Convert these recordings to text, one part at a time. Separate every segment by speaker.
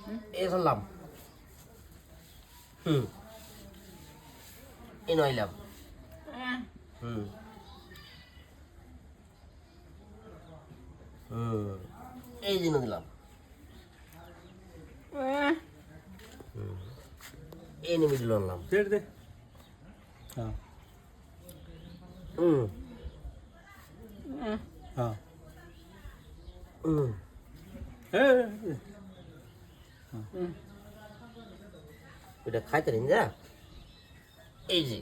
Speaker 1: এ চললাম এ নইলাম এই দিন দিলাম এই নিয়ে দিল আনলাম
Speaker 2: দে হ্যাঁ হ্যাঁ
Speaker 1: ওটা খাইতে রেন যা এই যে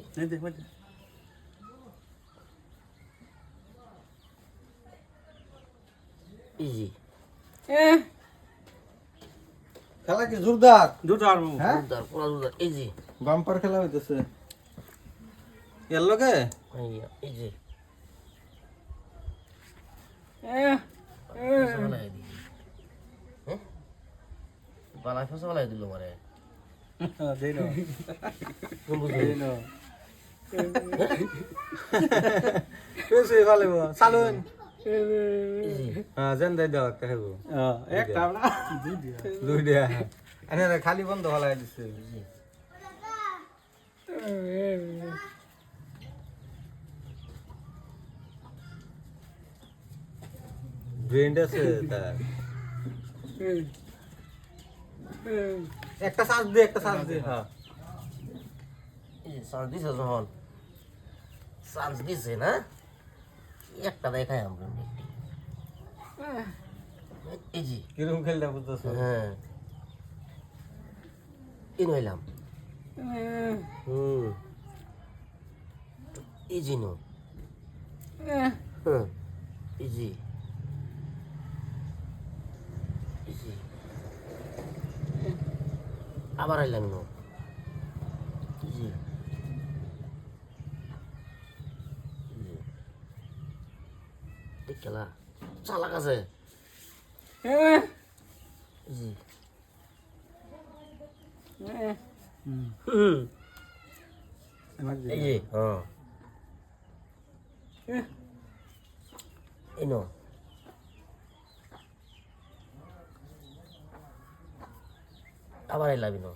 Speaker 1: ইজি
Speaker 3: খেলা কি জোরদার
Speaker 2: জোরদার
Speaker 3: হ্যাঁ
Speaker 1: জোরদার পুরা জোরদার ইজি
Speaker 3: বাম্পার খেলা হইতেছে এর লগে
Speaker 1: এই যে বালাই ফসা বালাই দিল মারে
Speaker 2: দেই না পেছে ভালো চালুন
Speaker 3: হ্যাঁ জান দাই দাও একটা খাবো
Speaker 2: একটা না
Speaker 3: দুই দিয়া এনে খালি বন্ধ হলাই দিছে ব্রেন্ড আছে তার একটা শ্বাস দে হ্যাঁ
Speaker 1: চান্স দিছে যখন চান্স দিছে না একটা দেখাই আমরা এই জি
Speaker 3: কিরকম খেলটা বুঝতেছো
Speaker 1: হ্যাঁ ইন হইলাম ইজি নো ইজি ইজি আবার আইলাম নো ইজি ঠিক খেলা চালাক আছে জি এই যে হ্যাঁ এই নো আবার এলাম নো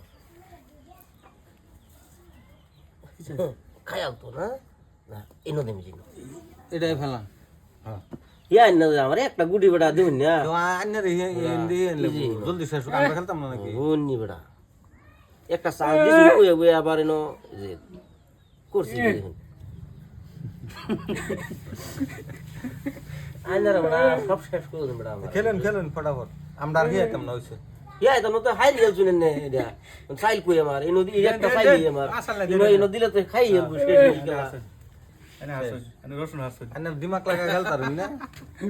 Speaker 1: খাই তো না না এনো দেমি জিনো
Speaker 3: এটাই ফেলা হ্যাঁ
Speaker 1: ইয়া না আমার একটা গুটি বেটা দিন না
Speaker 3: তো আন্নার এন্ডি জলদি শেষ আমরা খেলতাম না নাকি
Speaker 1: হন্নি বেটা একটা সাজ দিছি কই কই আবার এনো যে করছি আইনার বেটা সব শেষ করে দিন বেটা আমার
Speaker 3: খেলেন ফটাফট আমরা আর খেতাম না হইছে
Speaker 1: ইয়া তো তো হাই রিয়াল শুনেন না এটা সাইল কই আমার এনো দি একটা সাইল আমার এনো দিলে তো খাই শেষ
Speaker 2: এনে হাসুন এনে রসুন হাসুন
Speaker 3: আন্নার দিমাগ লাগা খেলতাম না